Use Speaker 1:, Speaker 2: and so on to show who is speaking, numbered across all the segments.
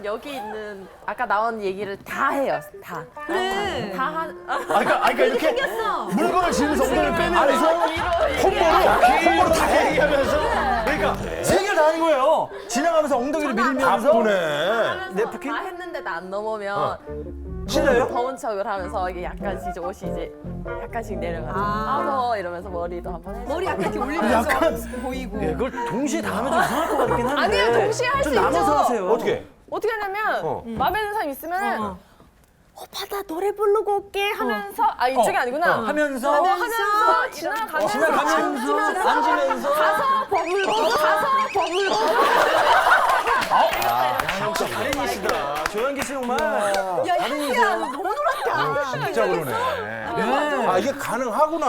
Speaker 1: 여기 있는 아까 나온 얘기를 다 해요. 다.
Speaker 2: 그래.
Speaker 1: 다 한.
Speaker 3: 그러니까 이렇게
Speaker 2: 생겼어.
Speaker 3: 물건을 지면서 엉덩이를 빼면서 콤보로 다 얘기하면서 그러니까 세 개를 다 하는 거예요. 지나가면서 엉덩이를 밀면서
Speaker 4: 바쁘네.
Speaker 3: 네프킨?
Speaker 1: 다 했는데도 안 넘으면
Speaker 3: 신나요?
Speaker 1: 더운 척을 하면서 이게 약간씩 이제 옷이 이제 약간씩 내려가지고 더워 이러면서 머리도 한번 해주고.
Speaker 2: 머리 약간 이렇게 올리면서
Speaker 3: 약간
Speaker 2: 보이고.
Speaker 3: 예, 그걸 동시에 다 하면 좀 이상할 것 같긴 한데
Speaker 1: 아니에요, 동시에 할
Speaker 3: 좀
Speaker 1: 수
Speaker 3: 나눠서
Speaker 1: 있죠.
Speaker 3: 하세요.
Speaker 4: 어떻게?
Speaker 1: 어떻게 하냐면 마음에 드는 사람 있으면 오빠 나 노래 부르고 올게 하면서 아 이쪽이 아니구나
Speaker 3: 하면서
Speaker 1: 지나가면서
Speaker 3: 앉으면서
Speaker 1: 가서 버물고 가서 버물고
Speaker 3: 역시 다른이시다. 조현기 씨 정말
Speaker 2: 야, 향기야, 너 너무 놀았다.
Speaker 4: 진짜 그러네.
Speaker 3: 네.
Speaker 4: 아, 이게 가능하구나.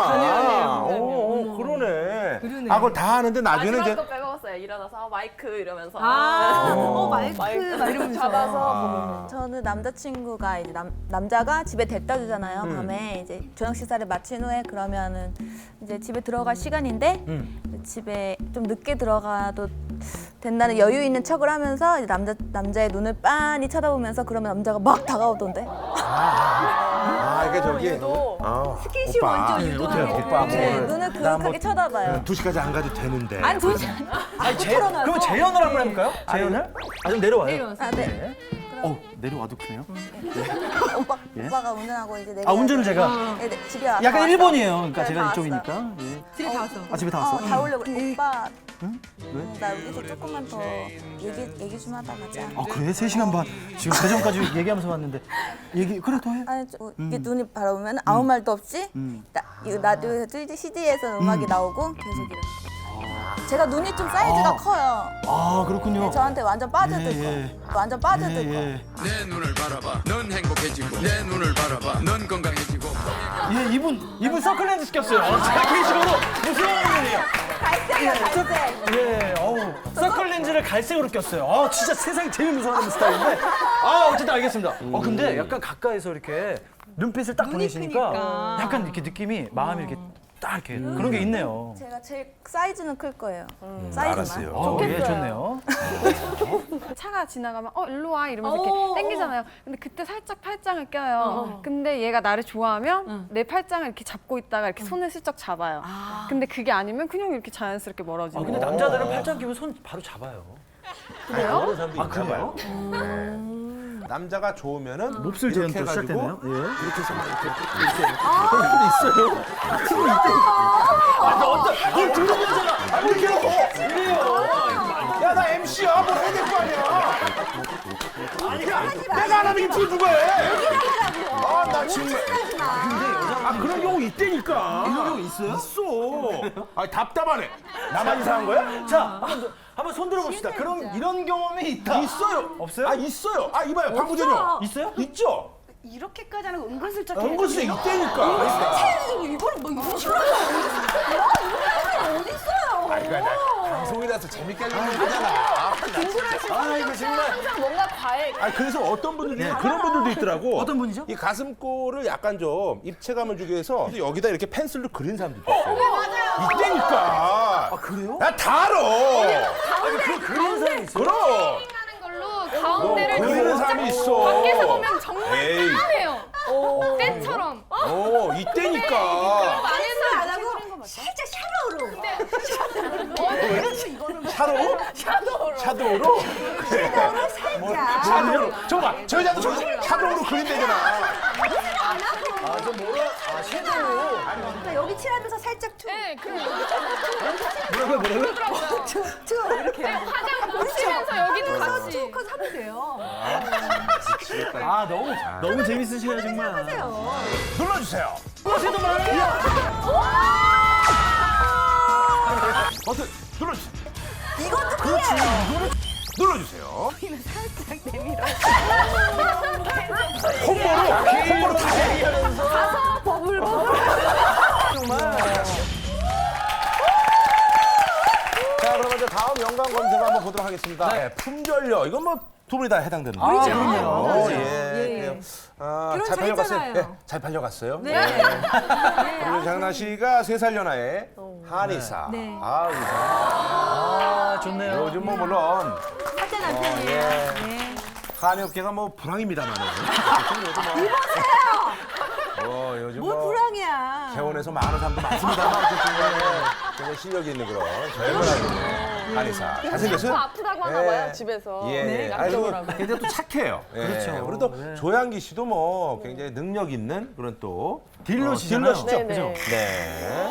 Speaker 4: 그러네.
Speaker 2: 그러네.
Speaker 4: 아, 그걸 다 하는데 나중에는
Speaker 1: 마지막
Speaker 4: 이제
Speaker 1: 거 빼먹었어요. 일어나서 마이크 이러면서
Speaker 2: 마이크 막 이러면서.
Speaker 1: 잡아서
Speaker 5: 저는 남자친구가 이제 남자가 집에 데려다 주잖아요. 밤에 이제 저녁 식사를 마친 후에 그러면은 이제 집에 들어갈 시간인데 집에 좀 늦게 들어가도 된다는 여유 있는 척을 하면서 이제 남자의 눈을 빤히 쳐다보면서 그러면 남자가 막 다가오던데.
Speaker 4: 이게 저기
Speaker 2: 스킨십 먼저 유도하게.
Speaker 4: 오빠
Speaker 5: 네,
Speaker 4: 뭐
Speaker 5: 눈을 그윽하게 쳐다봐요.
Speaker 4: 2시까지 안 가도 되는데.
Speaker 2: 아니 도대체
Speaker 3: 그럼 재연을 한번 해볼까요? 재연을? 좀 내려와요.
Speaker 5: 아, 네.
Speaker 3: 내려와도 크네요.
Speaker 5: 오빠가 운전하고 이제 내가
Speaker 3: 운전을 제가
Speaker 5: 네, 집에 와서
Speaker 3: 약간
Speaker 5: 왔어요.
Speaker 3: 일본이에요. 그러니까
Speaker 5: 네,
Speaker 3: 제가
Speaker 5: 다
Speaker 3: 이쪽이니까.
Speaker 5: 왔어요.
Speaker 3: 예.
Speaker 2: 집에 다 왔어.
Speaker 3: 아 집에 다 왔어?
Speaker 5: 다 오려고 그래. 오빠
Speaker 3: 왜?
Speaker 5: 나 여기서 조금만 더 얘기 좀 하다 가자.
Speaker 3: 아 그래? 3시간 반 지금 그 전까지 얘기하면서 왔는데 그래 더 해.
Speaker 5: 아니 이게 눈이 바라보면 아무 말도 없이 이거 라디오에서 CD에서 음악이 나오고 계속 이렇게. 제가 눈이 좀 사이즈가 커요.
Speaker 3: 아 그렇군요.
Speaker 5: 저한테 완전 빠져들 거.
Speaker 3: 예.
Speaker 5: 완전 빠져들 거.
Speaker 6: 내 눈을 바라봐 넌 행복해지고 내 눈을 바라봐 넌 건강해지고
Speaker 3: 예, 이분 서클렌즈 시켰어요. 제가 개인적으로 무슨 일이에요?
Speaker 5: 갈색이야 갈색.
Speaker 3: 예, 서클렌즈를 갈색으로 꼈어요. 진짜 세상에 제일 무서워하는 스타일인데. 어쨌든 알겠습니다. 근데 약간 가까이서 이렇게 눈빛을 딱
Speaker 2: 눈이
Speaker 3: 보내시니까
Speaker 2: 크니까.
Speaker 3: 약간 이렇게 느낌이 마음이 이렇게 딱 이렇게 그런 게 있네요.
Speaker 5: 제가 제일 사이즈는 클 거예요. 사이즈만.
Speaker 4: 알았어요.
Speaker 3: 예, 좋네요.
Speaker 7: 차가 지나가면 일로 와 이러면서 이렇게 땡기잖아요. 근데 그때 살짝 팔짱을 껴요. 근데 얘가 나를 좋아하면 내 팔짱을 이렇게 잡고 있다가 이렇게 손을 슬쩍 잡아요. 근데 그게 아니면 그냥 이렇게 자연스럽게 멀어지는
Speaker 3: 근데
Speaker 7: 거예요.
Speaker 3: 남자들은 팔짱 끼면 손 바로 잡아요.
Speaker 4: 그래요? 사람도 있나
Speaker 3: 그래요?
Speaker 4: 봐요. 네. 남자가 좋으면은
Speaker 3: 몹쓸
Speaker 4: 이렇게
Speaker 3: 재현도
Speaker 4: 해가지고
Speaker 3: 시작되네요. 예.
Speaker 4: 이렇게 해서 막 이렇게 해놓고 야, 나 MC야. 뭘 해야 될 거 아니야. 내가 안 하면 이게 누가 해? 나 정말. 그런 경우 있다니까.
Speaker 3: 이런 경우 있어요?
Speaker 4: 있어. 답답하네. 나만 이상한 거야?
Speaker 3: 자, 한번 손 들어봅시다. 그럼 이런 경험이 있다.
Speaker 4: 있어요.
Speaker 3: 없어요?
Speaker 4: 있어요. 이봐요. 방구전요.
Speaker 3: 있어요?
Speaker 4: 있죠.
Speaker 2: 이렇게까지 하는 거 은근슬쩍.
Speaker 4: 연구소에 있다니까.
Speaker 2: 이거를 뭐 이런 식으로 하는 어디 있어요?
Speaker 4: 그러니까 나 방송이라서 재밌게 하려는 거잖아.
Speaker 3: 이거 정말.
Speaker 1: 항상 뭔가 과해.
Speaker 4: 그래서 어떤 분들이 그런 분들도 있더라고.
Speaker 3: 어떤 분이죠?
Speaker 4: 이 가슴골을 약간 좀 입체감을 주기 위해서 여기다 이렇게 펜슬로 그린 사람도 있어요. 맞아요. 있다니까.
Speaker 3: 그래요?
Speaker 4: 나 다 알아.
Speaker 3: 그런 사람이 있어요?
Speaker 4: 그럼.
Speaker 7: 하는 걸로 가운데를
Speaker 4: 그리는 사람이 있어.
Speaker 7: 밖에서 보면 정말
Speaker 4: 에이.
Speaker 7: 까매요. 때처럼.
Speaker 4: 있다니까.
Speaker 2: 안에서 안 하고 살짝 샤로우로.
Speaker 4: 샤도우? 샤도우로? 그래. 샤도우로. 잠깐만, 저 여자도 샤도우로 그린다잖아.
Speaker 2: 그러니까 여기 칠하면서 살짝 투.
Speaker 7: 네, 그럼
Speaker 3: 뭐라고요?
Speaker 2: 이렇게.
Speaker 7: 화장 붙이면서 여기도 같이.
Speaker 2: 투컷 하면 돼요.
Speaker 3: 너무 재밌으시네요, 정말.
Speaker 4: 눌러주세요.
Speaker 3: 쟤도 말해.
Speaker 4: 버튼 눌러주세요.
Speaker 5: 이것도 그래.
Speaker 4: 눌러주세요. 콤보로 다 얘기하면서. 정말. 자, 그러면 이제 다음 연관 검색 한번 보도록 하겠습니다. 네, 품절료. 이건 뭐 두 분이 다 해당되는 거죠.
Speaker 3: 그럼요.
Speaker 4: 예. 잘 팔려갔어요.
Speaker 2: 잘했잖아요.
Speaker 4: 네, 잘 팔려갔어요.
Speaker 2: 네.
Speaker 4: 그리고 장나 씨가 3살 연하의 한의사.
Speaker 2: 네.
Speaker 4: 의사.
Speaker 3: 좋네요.
Speaker 4: 요즘 뭐 물론
Speaker 2: 사제 남편이에요. 네.
Speaker 4: 한의업계가 뭐 불황입니다만은. 요즘
Speaker 2: 뭘 불황이야.
Speaker 4: 개원에서 많은 사람도 많습니다만 어쨌든 굉장히 실력이 있는 그런 젊은 한의사. 잘생겼어요?
Speaker 1: 또 아프다고 하나 봐요, 집에서.
Speaker 4: 예.
Speaker 1: 약정을
Speaker 4: 아니,
Speaker 1: 하고.
Speaker 4: 굉장히 또 착해요.
Speaker 3: 그렇죠.
Speaker 4: 그리고 또 조양기 씨도 뭐 굉장히 능력 있는 그런 또
Speaker 3: 딜러시잖아요.
Speaker 4: 딜러시죠.
Speaker 1: 네네.
Speaker 4: 그죠? 네.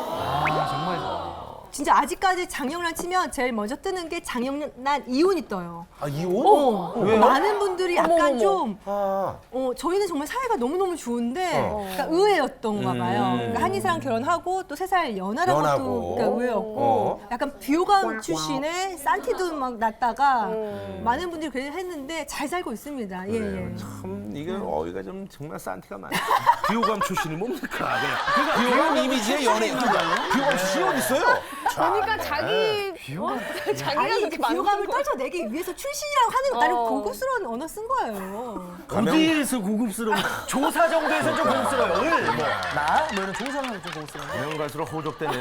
Speaker 2: 진짜 아직까지 장영란 치면 제일 먼저 뜨는 게 장영란 이혼이 떠요.
Speaker 4: 아, 이혼?
Speaker 2: 많은 분들이 약간 좀
Speaker 4: 아,
Speaker 2: 저희는 정말 사이가 너무너무 좋은데 그러니까 의외였던가 봐요. 그러니까 한의사랑 결혼하고 또 3살 연하라고
Speaker 4: 연하고.
Speaker 2: 또 그러니까 의외였고 약간 비호감 출신의 산티도 막 났다가 많은 분들이 그렇게 했는데 잘 살고 있습니다. 예, 예.
Speaker 4: 참 이게 어이가 좀 정말 산티가 많아요. 비호감 출신이 뭡니까? 비호감 이미지의 연예인인가요? 비호감 출신이 어디 있어요?
Speaker 1: 그러니까 자기 자기가
Speaker 2: 아니
Speaker 1: 그렇게
Speaker 2: 그 비호감을
Speaker 1: 만든 거.
Speaker 2: 떨쳐내기 위해서 출신이라고 하는 거 나름 고급스러운 언어 쓴 거예요.
Speaker 3: 어디에서 고급스러운 조사 정도에서 좀 고급스러워요. 나? 뭐 이런 조사는 좀 고급스러워.
Speaker 4: 가면 갈수록 호적되네요.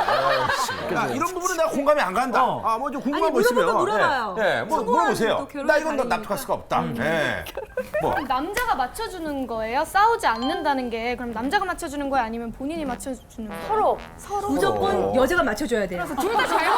Speaker 4: 야, 이런 부분은 내가 공감이 안 간다. 아, 뭐 좀 궁금한
Speaker 2: 아니,
Speaker 4: 거 있으면.
Speaker 2: 물어봐요.
Speaker 4: 예, 뭐
Speaker 2: 성공한
Speaker 4: 물어보세요.
Speaker 2: 또 결혼이
Speaker 4: 나 이건 너
Speaker 2: 다르니까.
Speaker 4: 납득할 수가 없다. 예. 뭐.
Speaker 8: 남자가 맞춰주는 거예요? 싸우지 않는다는 게 그럼 남자가 맞춰주는 거예요? 아니면 본인이 맞춰주는 거예요?
Speaker 1: 서로.
Speaker 2: 무조건 여자가 맞춰줘야 돼요.
Speaker 1: 둘 다 잘못.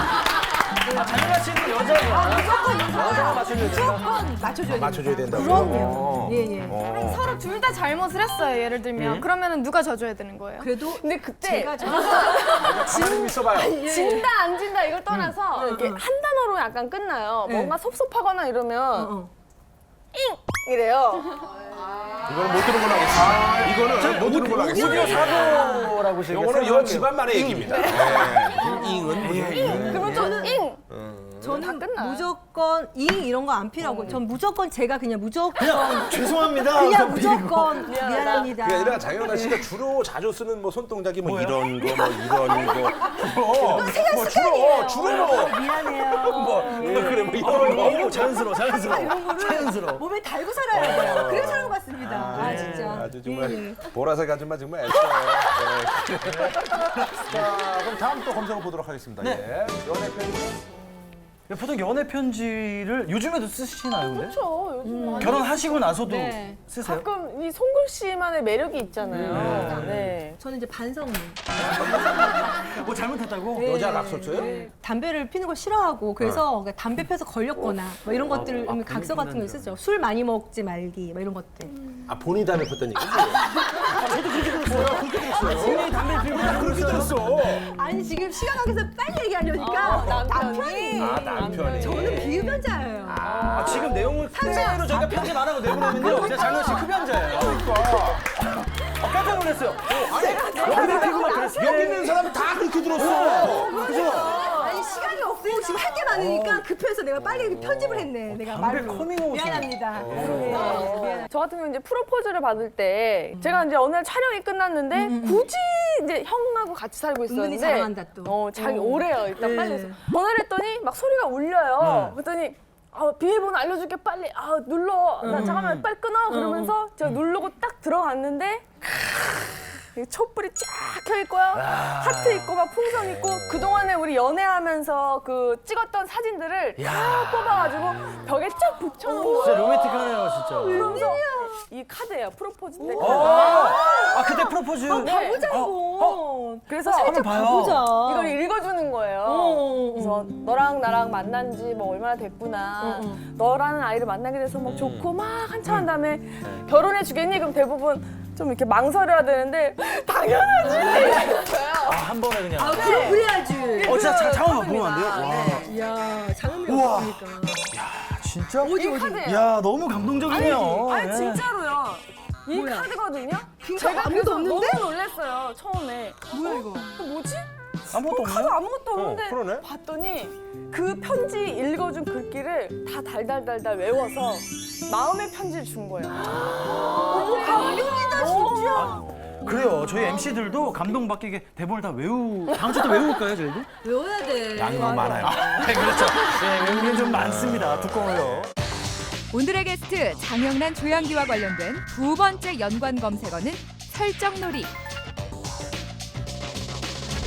Speaker 3: 장현아 씨는 여자가. 여자가 맞춰줘야 돼요.
Speaker 2: 무조건 맞춰줘야 돼요.
Speaker 4: 맞춰줘야 된다고요?
Speaker 2: 그럼요. 예, 예.
Speaker 8: 그럼 서로 둘 다 잘못을 했어요. 예를 들면 그러면은 누가 져줘야 되는 거예요?
Speaker 2: 그래도
Speaker 1: 근데 그때
Speaker 2: 제가
Speaker 4: 가만히 좀 있어봐요.
Speaker 1: 진다 안 진다 이걸 떠나서 이렇게 한 단어로 약간 끝나요. 뭔가 섭섭하거나 이러면 잉 이래요.
Speaker 4: 이거는 못 들은 걸로 하겠습니다. 이거는 못 들은 걸로 하겠습니다.
Speaker 3: 사고라고 제가
Speaker 4: 이거는 이건
Speaker 3: 생각해요.
Speaker 4: 집안만의 얘기입니다. 예. 잉은 무슨
Speaker 1: 그러면 저는 잉.
Speaker 2: 저는
Speaker 1: 끝나요.
Speaker 2: 무조건 잉 이런 거 안 필요하고 전 무조건 제가 그냥 무조건
Speaker 3: 죄송합니다.
Speaker 2: 그냥
Speaker 3: 비리고.
Speaker 2: 무조건 미안합니다.
Speaker 4: 그게 아니라 장현아 씨가 주로 자주 쓰는 뭐 손동작이 뭐 이런 거, 뭐 이런 거. 뭐 주로 뭐.
Speaker 2: 미안해요.
Speaker 4: 뭐 그래 뭐 이런 거.
Speaker 3: 너무 자연스러워. 자연스러워.
Speaker 2: 몸에 달고 살아야 돼요. 그래서 사는 것 같습니다. 아, 진짜.
Speaker 4: 아주 정말
Speaker 2: 예, 예.
Speaker 4: 보라색 아줌마 정말 애써요. 자, 그럼 다음 또 검색어 보도록 하겠습니다. 예. 연애 편지.
Speaker 3: 보통 연애 편지를 요즘에도 쓰시나요, 근데?
Speaker 1: 그렇죠. 요즘 많이
Speaker 3: 결혼하시고 나서도
Speaker 8: 네.
Speaker 3: 쓰세요?
Speaker 1: 가끔 이 송글씨만의 매력이 있잖아요. 네.
Speaker 2: 저는 이제 반성문.
Speaker 3: 뭐 잘못했다고?
Speaker 4: 여자 낙서 써요?
Speaker 2: 담배를 피는 걸 싫어하고 그래서 담배 펴서 걸렸거나 뭐 이런 것들을 각서 같은 거 쓰죠. 술 많이 먹지 말기 뭐 이런 것들.
Speaker 4: 아 본인이 담배 폈다는 얘기?
Speaker 3: 본인이 담배 피우고
Speaker 4: 그렇게 들었어.
Speaker 2: 아니 지금 시간 관계에서 빨리 얘기하려니까 남편이
Speaker 4: 남편이.
Speaker 2: 저는 비흡연자예요.
Speaker 3: 아, 지금 내용을 그대로 저희가 편집 안 하고 내보내면요. 제가 장현 씨 흡연자예요. 깜짝 놀랐어요. 담배 피고 막 그랬어요.
Speaker 4: 여기 있는 사람은 다 그렇게 들었어. 그죠?
Speaker 2: 아니 시간이 없고 지금 할 게 많으니까 급해서 내가 빨리 이렇게 편집을 했네. 내가
Speaker 3: 담배
Speaker 2: 말로.
Speaker 3: 커밍아웃이네.
Speaker 2: 미안합니다. 미안합니다.
Speaker 1: 저 같은 경우 이제 프로포즈를 받을 때 제가 이제 어느 날 촬영이 끝났는데 굳이 이제 형하고 같이 살고 있었는데
Speaker 2: 은근히 자랑한다, 또.
Speaker 1: 자기 오래요. 일단
Speaker 2: 네.
Speaker 1: 빨리 해서 전화를 했더니 막 소리가 울려요. 그랬더니 비밀번호 알려줄게 빨리 눌러 나 잠깐만 빨리 끊어 그러면서 제가 누르고 딱 들어갔는데 촛불이 쫙 켜있고요. 하트 있고 막 풍선 있고 그동안에 우리 연애하면서 그 찍었던 사진들을 다 뽑아가지고 벽에 쫙 붙여놓은
Speaker 3: 진짜
Speaker 1: 거예요.
Speaker 3: 로맨틱하네요, 진짜.
Speaker 1: 그러면서 이 카드예요. 프로포즈 때.
Speaker 3: 아, 그때 프로포즈.
Speaker 1: 네.
Speaker 2: 보자고.
Speaker 1: 그래서
Speaker 3: 한번 봐요.
Speaker 2: 보자.
Speaker 1: 이걸 읽어주는 거예요. 그래서 너랑 나랑 만난 지 뭐 얼마나 됐구나. 너라는 아이를 만나게 돼서 막 좋고 막 한참 한 다음에 결혼해 주겠니? 그럼 대부분 좀 이렇게 망설여야 되는데 당연하지.
Speaker 3: 아, 한 번에 그냥.
Speaker 2: 아, 그럼 그래야지.
Speaker 3: 진짜 잠깐만 보면 안 돼요? 와.
Speaker 2: 이야, 장은미가
Speaker 3: 우와.
Speaker 2: 없으니까.
Speaker 3: 진짜?
Speaker 1: 이 카드예요.
Speaker 3: 야, 너무 감동적이네요.
Speaker 1: 아니
Speaker 3: 예.
Speaker 1: 진짜로요. 이
Speaker 2: 뭐야?
Speaker 1: 카드거든요.
Speaker 2: 진짜
Speaker 1: 제가
Speaker 2: 아무도
Speaker 1: 그래서
Speaker 2: 없는데?
Speaker 1: 너무 놀랐어요. 처음에.
Speaker 2: 뭐야 이거?
Speaker 1: 뭐지?
Speaker 3: 아무것도
Speaker 1: 카드
Speaker 3: 없나요?
Speaker 1: 아무것도 없는데
Speaker 4: 그러네.
Speaker 1: 봤더니 그 편지 읽어준 글귀를 다 달달달달 외워서 마음의 편지를 준 거예요. 너무 감동이다 진짜.
Speaker 3: 그래요. 저희 MC들도 감동받게 대본을 다 다음 주도 외울까요, 저희도?
Speaker 2: 외워야 돼.
Speaker 4: 양이 너무 많아요.
Speaker 3: 네, 그렇죠. 네, 외우는 게 좀 많습니다. 두꺼워요.
Speaker 9: 오늘의 게스트 장영란 조양기와 관련된 두 번째 연관 검색어는 설정놀이.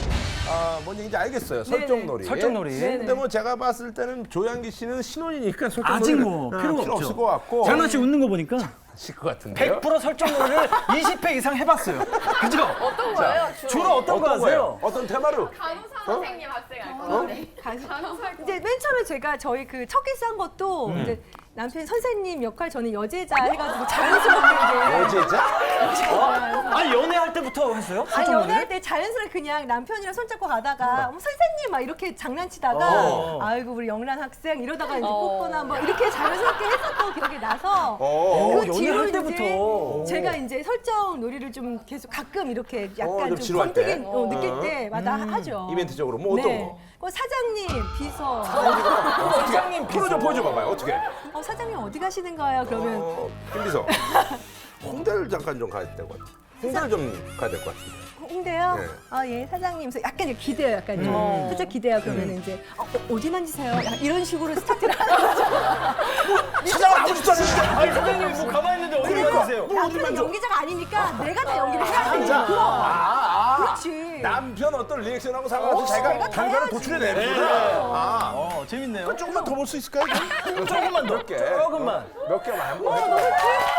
Speaker 4: 뭔지 이제 알겠어요. 설정놀이.
Speaker 3: 설정놀이.
Speaker 4: 근데 뭐 제가 봤을 때는 조양기 씨는 신혼이니까 설정놀이
Speaker 3: 아직 뭐 필요가 없죠.
Speaker 4: 없을 것 같고.
Speaker 3: 장난 씨 웃는 거 보니까
Speaker 4: 하실 것 같은데요.
Speaker 3: 100% 설정놀이를 20회 이상 해봤어요. 그죠?
Speaker 1: 어떤 거예요?
Speaker 3: 주로 어떤 거 하세요?
Speaker 4: 어떤 테마로?
Speaker 1: 간호사 선생님 학생 할 거예요.
Speaker 2: 이제 맨 처음에 제가 저희 그 첫 키스 한 것도 이제 남편 선생님 역할 저는 여제자 해가지고 자연스럽게
Speaker 4: 여제자?
Speaker 3: 아니 연애할 때부터 했어요?
Speaker 2: 아니
Speaker 3: 설정놀이를?
Speaker 2: 연애할 때 자연스럽게 그냥 남편이랑 손잡고 가다가 어머, 선생님 막 이렇게 장난치다가 아이고 우리 영란 학생 이러다가 이제 뽀뽀나 뭐 이렇게 자연스럽게 했었던 기억이 나서 그
Speaker 3: 연애할
Speaker 2: 뒤로
Speaker 3: 때부터.
Speaker 2: 이제 제가 이제 설정 놀이를 좀 계속 가끔 이렇게 약간
Speaker 4: 좀
Speaker 2: 좀
Speaker 4: 지루할 때?
Speaker 2: 권태기 느낄 때마다 하죠.
Speaker 4: 이벤트적으로 뭐 어떤
Speaker 2: 네.
Speaker 4: 거?
Speaker 2: 사장님, 비서.
Speaker 4: 사장님 풀어줘 봐봐요. 어떻게?
Speaker 2: 사장님 어디 가시는 거예요? 그러면
Speaker 4: 김비서. 홍대를 잠깐 좀 가야 될 것 같아. 홍대를 좀 가야 될 것 같은데.
Speaker 2: 홍대요?
Speaker 4: 네.
Speaker 2: 예, 사장님. 그래서 약간 이제 기대요, 약간 좀. 살짝 기대요. 그러면 이제 어디 만지세요? 약간 이런 식으로 스타트를 하는 거죠.
Speaker 4: 사장은 아무 짓도 안 했는데.
Speaker 3: 아니 선생님이 뭐 가만히 있는데 어디 가세요?
Speaker 2: 남편은 연기자가 아니니까 내가 다 연기를 해야 되니까. 그럼. 그렇지.
Speaker 4: 남편 어떤 리액션하고 상관없이 자기가 결과를 도출해내는구나.
Speaker 3: 재밌네요.
Speaker 4: 그럼 조금만 더 볼 수 있을까요?
Speaker 3: 조금만 더.
Speaker 4: 몇 개.
Speaker 3: 조금만.
Speaker 4: 몇 개만 한번 해볼까요?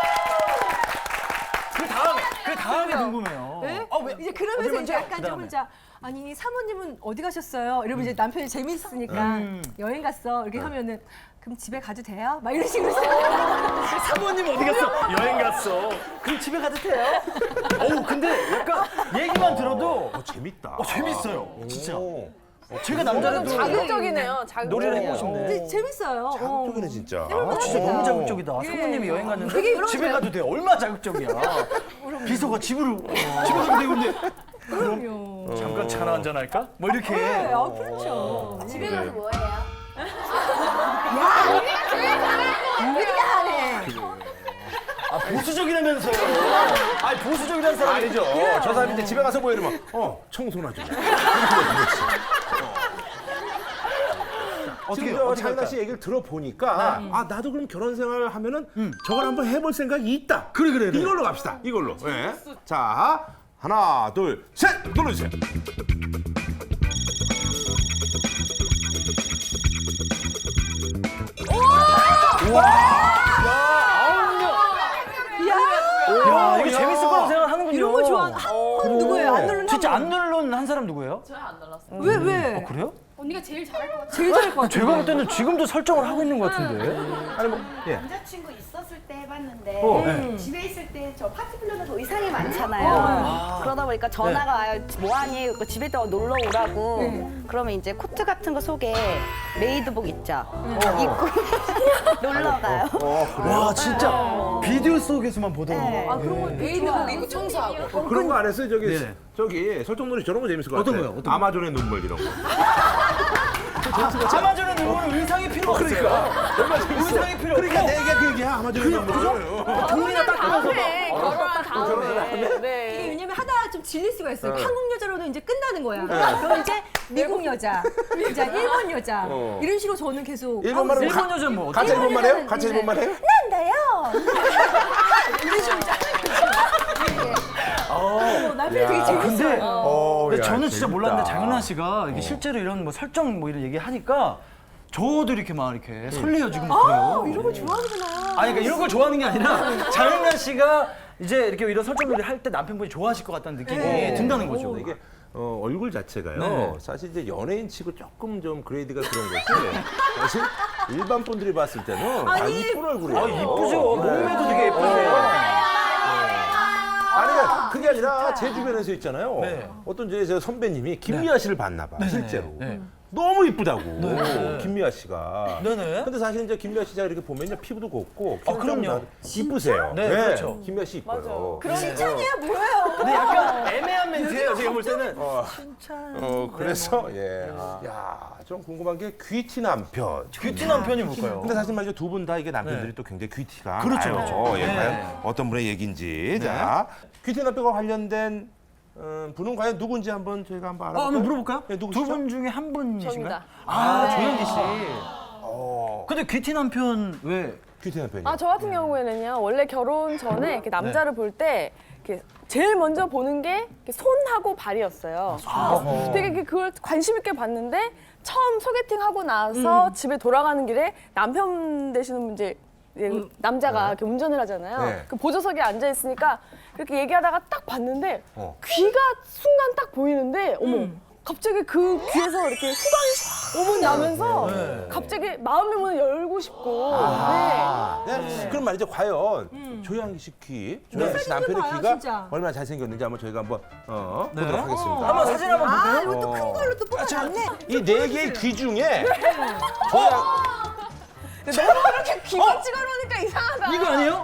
Speaker 3: 그 다음에 궁금해요.
Speaker 2: 네?
Speaker 3: 왜?
Speaker 2: 이제 그러면서 이제
Speaker 3: 먼저?
Speaker 2: 약간 좀
Speaker 3: 그다음에.
Speaker 2: 혼자 아니 사모님은 어디 가셨어요? 이러면 이제 남편이 재밌으니까 여행 갔어 이렇게 하면은 그럼 집에 가도 돼요? 막 이런 식으로
Speaker 3: 사모님 어디 갔어? 여행 갔어. 그럼 집에 가도 돼요? 어우 근데 약간 얘기만 들어도
Speaker 4: 재밌다.
Speaker 3: 재밌어요. 진짜. 제가
Speaker 1: 좀
Speaker 3: 남자라도
Speaker 1: 자극적이네요. 자극적이에요.
Speaker 3: 놀이를 해보고 싶네.
Speaker 2: 근데 재밌어요.
Speaker 4: 자극적이네 진짜.
Speaker 3: 진짜 너무 자극적이다. 사모님이 여행 갔는데 집에 가도 돼요. 얼마나 자극적이야. 비서가 집으로 가도 되고 근데
Speaker 2: 그럼요.
Speaker 3: 잠깐 차나 한잔 할까? 뭐 이렇게.
Speaker 2: 그렇죠.
Speaker 1: 집에 가서 뭐 해요?
Speaker 2: 우리가 하네.
Speaker 3: 보수적이라면서요. 아니 보수적이라는 사람
Speaker 4: 아니죠. 저 사람이 이제 집에 가서 뭐 이러면 청소나 좀. 지금 저 장나 씨 얘기를 들어보니까 나도 그럼 결혼 생활을 하면은 저걸 한번 해볼 생각이 있다.
Speaker 3: 그래.
Speaker 4: 이걸로 갑시다. 이걸로. 예. 자, 하나, 둘, 셋 눌러주세요.
Speaker 3: 야, 이거 재밌을 거라고 생각하는군요.
Speaker 2: 이런 거 좋아. 한번 누구예요? 안 누른
Speaker 3: 진짜 안 누른 한 사람 누구예요?
Speaker 2: 왜?
Speaker 3: 그래요?
Speaker 8: 언니가 제일 잘할 것 같아.
Speaker 2: 제일 잘할 것 같아.
Speaker 3: 제가 볼 때는 지금도 설정을 하고 있는 것 같은데. 아니 뭐 예.
Speaker 10: 남자친구 있었을 때 해봤는데
Speaker 3: 네.
Speaker 10: 집에 있을 때 저 파티 플래너도 의상이 많잖아요. 그러다 보니까 전화가 와요. 뭐하니? 집에 또 놀러 오라고. 그러면 이제 코트 같은 거 속에 메이드복 있죠. 입고 놀러 가요.
Speaker 3: 와 진짜 비디오 속에서만 보던 거.
Speaker 2: 그런 거 메이드복 입고 청소하고.
Speaker 4: 그런 거 안 했어요?
Speaker 3: 네.
Speaker 4: 저기 설정놀이 저런 거 재밌을 것
Speaker 3: 어떤
Speaker 4: 같아요.
Speaker 3: 거요? 어떤 거?
Speaker 4: 아마존의 눈물 이런 거.
Speaker 3: 아마존의 눈물은 의상이 필요 없어요. 의상이 필요 없고.
Speaker 4: 그러니까 내가 그 얘기야. 아마존의 눈물.
Speaker 3: 돈이나 닦으면서
Speaker 1: 결혼한 다음에. 네.
Speaker 2: 이게 왜냐면 하다가 좀 질릴 수가 있어요. 한국 여자로는 이제 끝나는 거야. 그럼 이제 미국 여자, 이제 일본 여자 이런 식으로 저는 계속
Speaker 4: 일본 말은
Speaker 3: 일본 여자는 뭐
Speaker 4: 가짜 일본 말 해요? 가짜 일본 말 해요?
Speaker 2: 난다요. 이런 식으로 남편이 되게 재밌어요.
Speaker 3: 근데
Speaker 4: 야,
Speaker 3: 저는 진짜
Speaker 4: 재밌다.
Speaker 3: 몰랐는데 장윤아 씨가 이게 실제로 이런 뭐 설정 뭐 이런 얘기 하니까 저도 이렇게 막 이렇게 설레어지고 막 그래요.
Speaker 2: 이런 거 좋아하는구나.
Speaker 3: 아니 그러니까 이런 걸 좋아하는 게 아니라 장윤아 씨가 이제 이렇게 이런 설정놀이 할 때 남편분이 좋아하실 것 같다는 느낌이 든다는 거죠.
Speaker 4: 이게 얼굴 자체가요.
Speaker 3: 네.
Speaker 4: 사실 이제 연예인 치고 조금 좀 그레이드가 그런 거지. 사실 일반 분들이 봤을 때는 다 이쁜 얼굴이에요.
Speaker 3: 이쁘죠. 몸매도 되게 예쁘세요.
Speaker 4: 아니 그게 아니라 제 주변에서 있잖아요.
Speaker 3: 네.
Speaker 4: 어떤 제 선배님이 김미아 씨를 봤나 봐. 실제로.
Speaker 3: 네.
Speaker 4: 너무 이쁘다고.
Speaker 3: 네.
Speaker 4: 김미아 씨가.
Speaker 3: 네네.
Speaker 4: 근데 사실 이제 김미아 씨가 이렇게 보면요 피부도 곱고
Speaker 3: 그럼요.
Speaker 4: 이쁘세요.
Speaker 3: 네, 그렇죠.
Speaker 4: 김미아 씨 이뻐요.
Speaker 2: 칭찬이야 뭐예요?
Speaker 3: 근데 약간 애매한 멘트예요. 제가 볼 때는.
Speaker 4: 그래서 좀 궁금한 게 귀티 남편.
Speaker 3: 뷰티 남편이 뭘까요?
Speaker 4: 근데 사실 말이죠 두 분 다 이게 남편들이
Speaker 3: 네.
Speaker 4: 또 굉장히 귀티가
Speaker 3: 그렇죠,
Speaker 4: 나요.
Speaker 3: 그렇죠.
Speaker 4: 예,
Speaker 3: 네.
Speaker 4: 과연 어떤 분의 얘기인지 자 귀티 남편과 관련된 분은 과연 누군지 한번 저희가 한번 알아볼까요?
Speaker 3: 한번 물어볼까요?
Speaker 4: 네,
Speaker 3: 두
Speaker 4: 누구시죠?
Speaker 3: 분 중에 한 분이신가요?
Speaker 1: 저입니다.
Speaker 3: 조현기 씨. 근데 귀티 남편 왜
Speaker 4: 귀태현 편이.
Speaker 1: 저 같은 경우에는요, 원래 결혼 전에 이렇게 남자를 볼 때 이렇게 제일 먼저 보는 게 이렇게 손하고 발이었어요. 되게 그걸 관심 있게 봤는데 처음 소개팅 하고 나서 집에 돌아가는 길에 남편 되시는 분 이제 남자가 이렇게 운전을 하잖아요.
Speaker 4: 네.
Speaker 1: 그 보조석에 앉아 있으니까 그렇게 얘기하다가 딱 봤는데 귀가 순간 딱 보이는데 어머. 갑자기 그 귀에서 이렇게 후광이 샥 나면서 갑자기 마음의 문을 열고 싶고.
Speaker 4: 네. 그럼 말이죠. 과연 조양기 씨 귀, 조양기 씨 남편의
Speaker 2: 봐요,
Speaker 4: 귀가
Speaker 2: 진짜.
Speaker 4: 얼마나 잘생겼는지 한번 저희가 한번
Speaker 3: 네.
Speaker 4: 보도록 하겠습니다.
Speaker 3: 한번 사진 한번 볼까요?
Speaker 2: 아, 이것도 큰 걸로 또 뽑아놨네.
Speaker 4: 이 네 개의 귀 중에 조양
Speaker 1: 너무 그렇게 귀만 찍어놓으니까 이상하다.
Speaker 3: 이거 아니에요?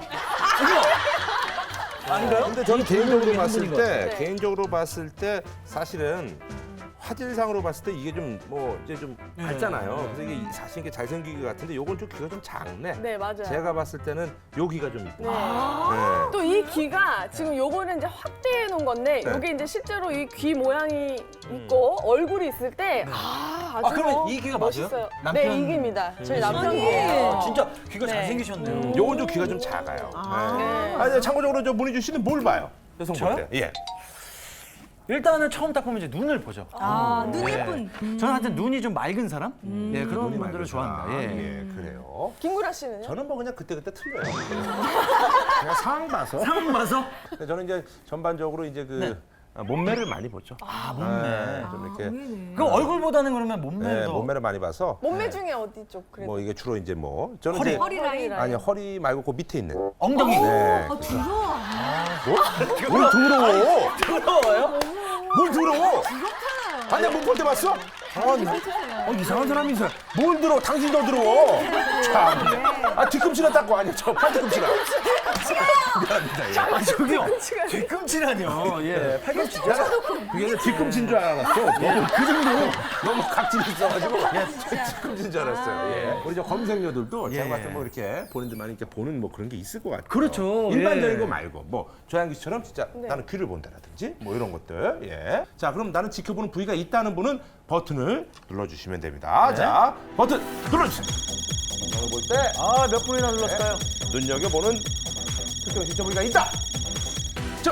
Speaker 3: 이거 아닌가요?
Speaker 4: 근데 저는 개인적으로 봤을
Speaker 3: 분인
Speaker 4: 때,
Speaker 1: 네.
Speaker 4: 개인적으로 봤을 때 사실은 화질상으로 봤을 때 이게 좀 뭐 이제 좀 밝잖아요. 그래서 이게 사실 이게 잘생기기 같은데 요건 좀 귀가 좀 작네.
Speaker 1: 네, 맞아요.
Speaker 4: 제가 봤을 때는 요 귀가 좀 이쁘다.
Speaker 1: 네. 또 이 귀가 지금 요거는 이제 확대해 놓은 건데
Speaker 4: 네.
Speaker 1: 요게 이제 실제로 이 귀 모양이 있고 얼굴이 있을 때 아주
Speaker 3: 그러면 이 귀가 맞아요?
Speaker 1: 멋있어요.
Speaker 3: 남편-
Speaker 1: 네, 이 귀입니다. 저희 남편 귀예요.
Speaker 3: 진짜 귀가
Speaker 1: 네.
Speaker 3: 잘생기셨네요.
Speaker 4: 요건 좀 귀가 좀 작아요. 네. 참고적으로 저 문희주 씨는 뭘 봐요? 여성 볼 때. 예.
Speaker 3: 일단은 처음 딱 보면 이제 눈을 보죠.
Speaker 2: 눈 예쁜.
Speaker 3: 저는 하여튼 눈이 좀 맑은 사람? 예, 그런
Speaker 4: 눈이
Speaker 3: 분들을
Speaker 4: 맑은
Speaker 3: 좋아합니다.
Speaker 4: 사람.
Speaker 3: 예.
Speaker 4: 예, 그래요.
Speaker 1: 김구라 씨는요?
Speaker 4: 저는 뭐 그냥 그때그때 틀려요. 그냥 상황 봐서.
Speaker 3: 상황 봐서?
Speaker 4: 근데 저는 이제 전반적으로 이제 그 몸매를 많이 보죠.
Speaker 3: 몸매.
Speaker 4: 좀 이렇게
Speaker 3: 그럼 얼굴보다는 그러면 몸매도.
Speaker 4: 네, 몸매를 많이 봐서
Speaker 1: 몸매 중에 어디 쪽 그래도?
Speaker 4: 뭐 이게 주로 이제 뭐 저는
Speaker 3: 허리.
Speaker 4: 이제
Speaker 2: 허리 라인.
Speaker 4: 아니 허리 말고 그 밑에 있는
Speaker 3: 엉덩이.
Speaker 4: 네.
Speaker 2: 두려워.
Speaker 4: 뭘 더러워?
Speaker 3: 부러워요?
Speaker 4: 뭘 더러워? 아니야 못 볼 때 봤어? 이상한 사람이 있어. 뭘 들어? 당신 더 들어. 참. 뒤꿈치나 닦고 아니 저 팔뒤꿈치나. 미안합니다. 예.
Speaker 3: 아, 저기요. 뒤꿈치라뇨. 예. 팔꿈치죠?
Speaker 4: 그게 뒤꿈치인 줄 알았어. 그 정도 너무 각질이 있어가지고 뒤꿈치인 줄 알았어요. 예. 우리 저 검색녀들도 제가 봤을 때 뭐 이렇게 본인들만 이렇게 보는 뭐 그런 게 있을 것 같아요.
Speaker 3: 그렇죠.
Speaker 4: 일반적인
Speaker 3: 예.
Speaker 4: 거 말고 뭐 조양기 씨처럼 진짜 나는 귀를 본다라든지 뭐 이런 것들. 예. 자 그럼 나는 지켜보는 부위가 있다는 분은 버튼을 눌러주시면 됩니다. 자 버튼 눌러주세요. 이걸 볼 때
Speaker 3: 아, 몇 분이나 눌렀을까요?
Speaker 4: 눈여겨보는 특정 지켜 부위가 있다. 자.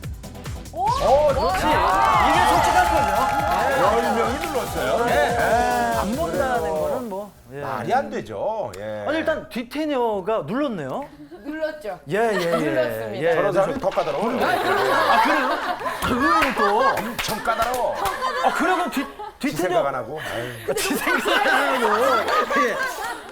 Speaker 3: 그렇지. 이게 솔직한 거죠.
Speaker 4: 10명이 눌렀어요.
Speaker 3: 안 본다는 거는 뭐. 예.
Speaker 4: 말이 안 되죠. 예.
Speaker 3: 아니, 일단 뒤태녀가 눌렀네요.
Speaker 1: 눌렀죠.
Speaker 3: 예.
Speaker 1: 눌렀습니다.
Speaker 4: 저런 사람이 더 까다로워.
Speaker 3: 아, 그래요? 그거는 또.
Speaker 4: 엄청 까다로워.
Speaker 3: 아, 그러면
Speaker 4: 지
Speaker 3: 뒤태녀.
Speaker 4: 생각 안 하고.
Speaker 3: 지 생각 안 하고. 예.